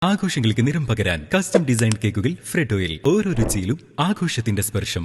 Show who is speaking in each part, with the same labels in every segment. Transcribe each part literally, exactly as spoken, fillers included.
Speaker 1: ആഘോഷങ്ങൾക്ക് നിറം പകരാൻ കസ്റ്റം ഡിസൈൻ കേക്കുകൾ ഫ്രെഡോയിൽ ഓരോ രുചിയിലും ആഘോഷത്തിന്റെ സ്പർശം.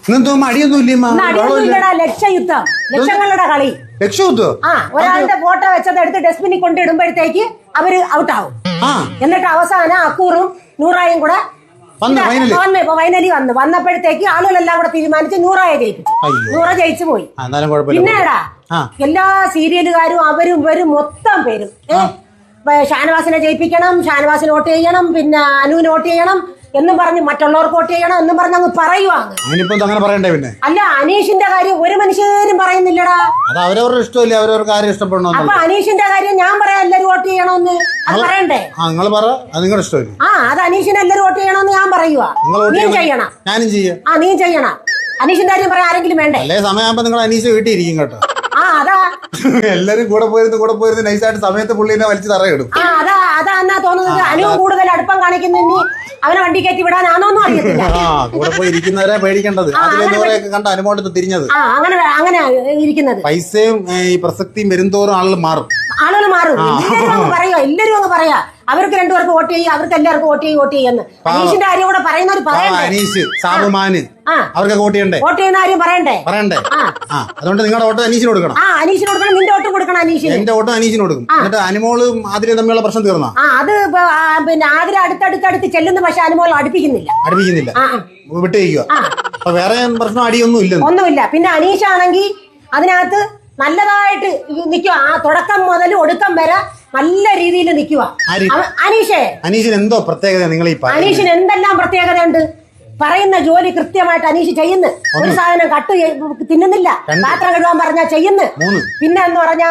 Speaker 2: ലക്ഷയുദ്ധം ലക്ഷങ്ങളുടെ കളി
Speaker 3: ലക്ഷയുദ്ധം
Speaker 2: ആ ഒരാളുടെ ഫോട്ടോ വെച്ചത് എടുത്ത് ഡസ്റ്റ്ബിനിൽ കൊണ്ടിടുമ്പോഴത്തേക്ക് അവര് ഔട്ടാവും. എന്നിട്ട് അവസാനം അക്കൂറും നൂറായും കൂടെ വന്ന് ഫൈനലി വന്നു വന്നപ്പോഴത്തേക്ക് ആളുകളെല്ലാം കൂടെ തീരുമാനിച്ച് നൂറായെ ജയിപ്പിച്ചു. നൂറ ജയിച്ചു പോയി. പിന്നെടാ എല്ലാ സീരിയലുകാരും അവരും ഇവരും മൊത്തം പേരും ഷാനവാസിനെ ജയിപ്പിക്കണം, ഷാനവാസിന് വോട്ട് ചെയ്യണം, പിന്നെ അനുവിന് വോട്ട് ചെയ്യണം എന്നും പറഞ്ഞ് മറ്റുള്ളവർക്ക് വോട്ട് ചെയ്യണം എന്നും പറഞ്ഞ് അങ്ങ് പറയുവാങ്ങ്.
Speaker 3: പിന്നെ
Speaker 2: അല്ല, അനീഷിന്റെ കാര്യം ഒരു മനുഷ്യരും പറയുന്നില്ലടാ.
Speaker 3: അവരവരുടെ ഇഷ്ടമല്ലേ, അവരവർക്ക് ആരും ഇഷ്ടപ്പെടണോ.
Speaker 2: അപ്പൊ അനീഷിന്റെ കാര്യം ഞാൻ പറയാം എല്ലാരും വോട്ട് ചെയ്യണമെന്ന്. അത് പറയണ്ടേ?
Speaker 3: നിങ്ങളുടെ ഇഷ്ടമല്ലേ?
Speaker 2: ആ അത് അനീഷിന് എല്ലാരും വോട്ട് ചെയ്യണമെന്ന് ഞാൻ പറയുവാ. നീ ചെയ്യണം.
Speaker 3: ഞാനും ചെയ്യാം.
Speaker 2: ആ നീ ചെയ്യണം. അനീഷിന്റെ കാര്യം പറയാൻ ആരെങ്കിലും വേണ്ടേ?
Speaker 3: അല്ലേ സമയമാകുമ്പോ നിങ്ങൾ അനീഷ് വീട്ടിൽ ഇരിക്കും കേട്ടോ.
Speaker 2: ആ അതാ
Speaker 3: എല്ലാരും കൂടെ പോയിരുന്നു കൂടെ പോയിരുന്നു നൈസായിട്ട് സമയത്ത് പുള്ളിനെ വലിച്ചു തറയിടും.
Speaker 2: ആ അതാ അതാ എന്നാ തോന്നുന്നത്. അനുവും കൂടുതൽ അടുപ്പം കാണിക്കുന്ന നീ അവനെ വണ്ടി കയറ്റി വിടാനാണോന്നും അറിയത്തില്ല.
Speaker 3: ആ കൂടെ പോയി ഇരിക്കുന്നവരെ പേടിക്കേണ്ടത്. അതിലൊക്കെ കണ്ട അനുമോട്ടത്ത് തിരിഞ്ഞത്.
Speaker 2: ആ അങ്ങനെ അങ്ങനെ ഇരിക്കുന്നത്.
Speaker 3: പൈസയും ഈ പ്രസക്തിയും വരുംതോറും ആളുകൾ മാറും.
Speaker 2: ആളുകൾ മാറും. എല്ലാരും അങ്ങ് പറയാ എല്ലാരും അങ്ങ് പറയാ അവർക്ക് രണ്ടുപേർക്ക് വോട്ട് ചെയ്യും, അവർക്ക് എല്ലാവർക്കും വോട്ട് ചെയ്യും വോട്ട് ചെയ്യുന്നു. അനീഷിന്റെ കാര്യം കൂടെ പറയുന്നവർ പറയണ്ടേ?
Speaker 3: അനീഷ് സാബുമാന് അവർക്ക് വോട്ട് ചെയ്യണ്ടേ?
Speaker 2: വോട്ട് ചെയ്യുന്ന കാര്യം പറയണ്ടേ?
Speaker 3: പറയണ്ടേ? അതുകൊണ്ട് നിങ്ങളുടെ വോട്ട് അനീഷിന് കൊടുക്കണം.
Speaker 2: ആ അനീഷിന് കൊടുക്കണം. നിന്റെ വോട്ടും കൊടുക്കണം അനീഷിന്.
Speaker 3: എന്റെ വോട്ടും അനീഷിന് കൊടുക്കും. എന്നിട്ട് അനുമോളും ആതിരയും തമ്മിലുള്ള പ്രശ്നം തീർന്നോ?
Speaker 2: ആ അത് പിന്നെ ആതിര അടുത്തടുത്തടുത്ത് ചെല്ലുന്ന പക്ഷെ അനുമോൾ അടുപ്പിക്കുന്നില്ല
Speaker 3: അടുപ്പിക്കുന്നില്ല വിട്ടു കഴിക്കുക. അപ്പൊ വേറെ പ്രശ്നം അടിയൊന്നും ഇല്ല.
Speaker 2: ഒന്നുമില്ല. പിന്നെ അനീഷാണെങ്കിൽ അതിനകത്ത് നല്ലതായിട്ട് നിൽക്കുക. ആ തുടക്കം മുതൽ ഒടുക്കം വരെ നല്ല രീതിയിൽ നിൽക്കുക. അനീഷേ
Speaker 3: അനീഷിന് എന്തോ പ്രത്യേകത നിങ്ങൾ ഈ
Speaker 2: അനീഷിന് എന്തെല്ലാം പ്രത്യേകതയുണ്ട്. പറയുന്ന ജോലി കൃത്യമായിട്ട് അനീഷ് ചെയ്യുന്നു. ഒരു സാധനം കട്ട് തിന്നുന്നില്ല. പാത്രം കഴുകാൻ പറഞ്ഞാ ചെയ്യുന്നു. പിന്നെ എന്ന് പറഞ്ഞാ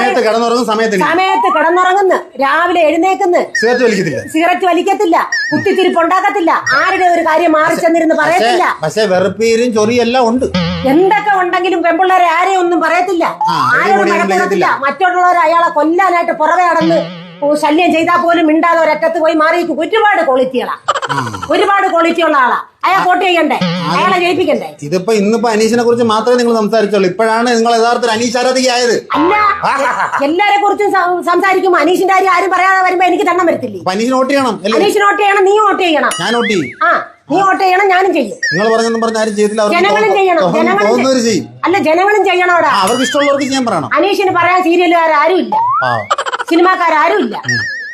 Speaker 2: സമയത്ത് കിടന്നുറങ്ങുന്നു, രാവിലെ എഴുന്നേക്കുന്നു, സിഗരറ്റ് വലിക്കത്തില്ല, കുത്തിത്തിരിപ്പ് ഉണ്ടാക്കത്തില്ല, ആരുടെ ഒരു കാര്യം മാറി ചെന്നിരുന്ന് പറയത്തില്ല.
Speaker 3: പക്ഷേ വെറുപ്പീരും ചൊറിയെല്ലാം ഉണ്ട്.
Speaker 2: എന്തൊക്കെ ഉണ്ടെങ്കിലും പെൺപിള്ളേരെ ആരെയും ഒന്നും പറയത്തില്ല, ആരോടും നടത്തില്ല. മറ്റുള്ളവരെ അയാളെ കൊല്ലാനായിട്ട് പുറകെ നടന്ന് ശല്യം ചെയ്താൽ പോലും മിണ്ടാതെ ഒരറ്റത്ത് പോയി മാറിയിരിക്കും. ഒരുപാട് ക്വാളിറ്റികളാ, ഒരുപാട് ക്വാളിറ്റി ഉള്ള ആളാ. അയാൾ വോട്ട് ചെയ്യണ്ടേ? അയാളെ ജയിപ്പിക്കണ്ടേ?
Speaker 3: ഇതിപ്പോ ഇന്നിപ്പോ അനീഷിനെ കുറിച്ച് മാത്രമേ നിങ്ങൾ സംസാരിച്ചുള്ളൂ. ഇപ്പോഴാണ് നിങ്ങൾ യഥാർത്ഥത്തിൽ അനീഷ് ആരാധികയായത്.
Speaker 2: അല്ല, എല്ലാരെ കുറിച്ചും സംസാരിക്കുമ്പോ അനീഷിന്റെ കാര്യം ആരും പറയാതെ വരുമ്പോ എനിക്ക് തണ്ണം വരത്തില്ലേ?
Speaker 3: അനീഷിന് വോട്ട് ചെയ്യണം.
Speaker 2: അനീഷിന് വോട്ട് ചെയ്യണം. നീ വോട്ട് ചെയ്യണം.
Speaker 3: ഞാൻ വോട്ട് ചെയ്യും.
Speaker 2: ആ നീ വോട്ട് ചെയ്യണം. ഞാനും ചെയ്യും.
Speaker 3: നിങ്ങൾ പറഞ്ഞൊന്നും പറഞ്ഞ ആരും ചെയ്തില്ല.
Speaker 2: ജനങ്ങളും ചെയ്യണം. ജനങ്ങളും ചെയ്യും. അല്ല ജനങ്ങളും ചെയ്യണം. അവിടെ
Speaker 3: അവർക്ക് ഇഷ്ടമുള്ളവർക്ക് ചെയ്യാൻ പറയണം.
Speaker 2: അനീഷിന് പറയാൻ സീരിയലുകാരും ഇല്ല, സിനിമാക്കാരും ഇല്ല.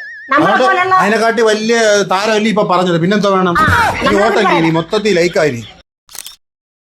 Speaker 3: അതിനെക്കാട്ടി വലിയ താരമല്ലേ ഇപ്പൊ പറഞ്ഞത്. പിന്നെന്തോ വേണം? വോട്ടല്ലേ മൊത്തത്തിൽ ലൈക്കായി.